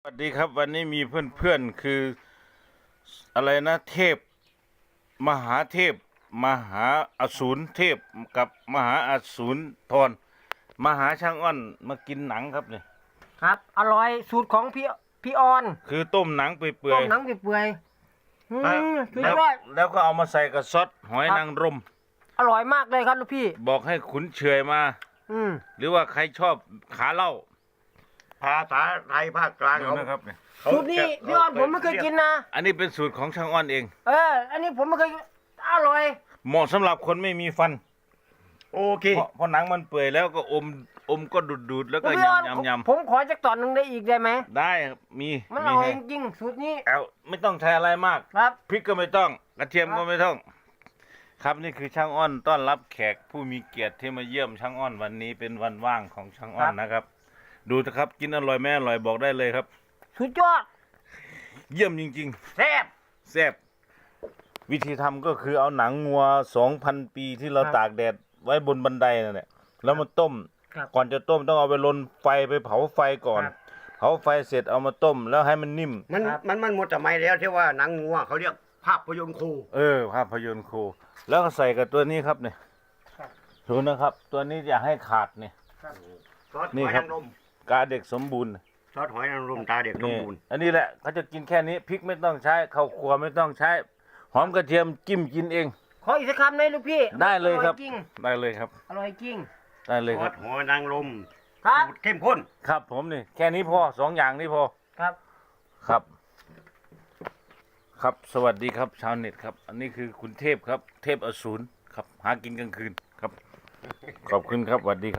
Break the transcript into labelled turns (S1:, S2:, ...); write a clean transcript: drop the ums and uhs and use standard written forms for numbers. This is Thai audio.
S1: สวัสดีครับวันนี้มีเพื่อนๆคืออะไรนะเทพมหาเทพมหาอสูรเทพกับมหาอสูรทรมหาช่างอ้อนมากินหนังครับเนี่ย
S2: ครับอร่อยสูตรของพี่ออน
S1: คือต้มหนังเปื่
S2: ต้
S1: อย
S2: มหนังเปื่อยๆสุด
S1: แล้ว
S2: ยอด
S1: แล้วก็เอามาใส่กับซอสหอย
S2: ครับ
S1: นางรม
S2: อร่อยมากเลยครับลูกพี่
S1: บอกให้ขุนเฉยมา
S2: อืม
S1: หรือว่าใครชอบขาเหล้า
S3: ภาษาไทยภาคกลาง
S1: ดู
S3: เขา
S1: นะครับเนี่ย
S2: สูตรนี้พี่ออนผมไม่เคยกินนะ
S1: อันนี้เป็นสูตรของช่างอ้อนเอง
S2: อันนี้ผมไม่เคยกินอร่อย
S1: เหมาะสำหรับคนไม่มีฟัน
S3: โอเค
S1: เพราะหนังมันเปื่อยแล้วก็อมก็ดูดแล้วก็
S2: พี่ออน
S1: ยำ
S2: ผมขอจักตอนหนึ่งได้อีกได้ไหม
S1: ได้ครับมี
S2: มันอ
S1: มี
S2: ร่อย
S1: ให้
S2: จริงๆสูตรนี้
S1: เอาไม่ต้องใช้อะไรมาก
S2: ครับ
S1: พริกก็ไม่ต้อง กระเทียม
S2: ครับ
S1: ก็ไม่ต้อง ครับนี่คือช่างอ้อนต้อนรับแขกผู้มีเกียรติที่มาเยี่ยมช่างอ้อนวันนี้เป็นวันว่างของช่างอ้อนนะครับ ดูนะครับ กินอร่อยไม่อร่อยบอกได้เลยครับ
S2: สุดยอด
S1: เยี่ยมจริง
S2: แซ่บ
S1: ๆแซ่บวิธีทำก็คือเอาหนังงัว 2,000 ปีที่เรา
S2: ครับ
S1: ตากแดดไว้บนบันไดนั่นแหละแล้วมาต้ม
S2: ครับ
S1: ก่อนจะต้มต้องเอาไปลนไฟไปเผาไฟก่อน
S2: ครับ
S1: เผาไฟเสร็จเอามาต้มแล้วให้มันนิ่ม
S3: มันหมดสมัยแล้วที่ว่าหนังงัวเขาเรียกภาพยนตร์ครู
S1: ภาพยนตร์ครูแล้วก็ใส่กับตัวนี้ครับเนี่ย
S2: ครับ
S1: ดูนะครับ ตัวนี้อย่าให้ขาดเนี่ย
S3: ซอสห
S1: นี่
S3: อย
S1: ครับ
S3: นางรม
S1: กาเด็กสมบูรณ์
S3: ซอสหอยนางรมตาเด็กสม
S1: นี่
S3: บูรณ์
S1: อันนี้แหละเขาจะกินแค่นี้พริกไม่ต้องใช้ข้าวคั่วไม่ต้องใช้หอมกระเทียมจิ้มกินเอง
S2: ขออีกสักคำได้ลูกพี่
S1: ได้เลยครับ
S2: ออยจริง
S1: ได้เลยครับ
S2: อร่อยจริง
S1: ได้เลย
S3: ซ
S1: ค
S3: อ
S1: รับ
S3: สหอยนางรม
S2: ครับ
S3: สูตรเข้มข้น
S1: ครับผมนี่แค่นี้พอ2 อย่างนี้พอ
S2: ครับ
S1: ครับ ครับสวัสดีครับชาวเน็ตครับ อันนี้คือคุณเทพครับ เทพอสูรครับ หากินกลางคืนครับ ขอบคุณครับสวัสดีครับ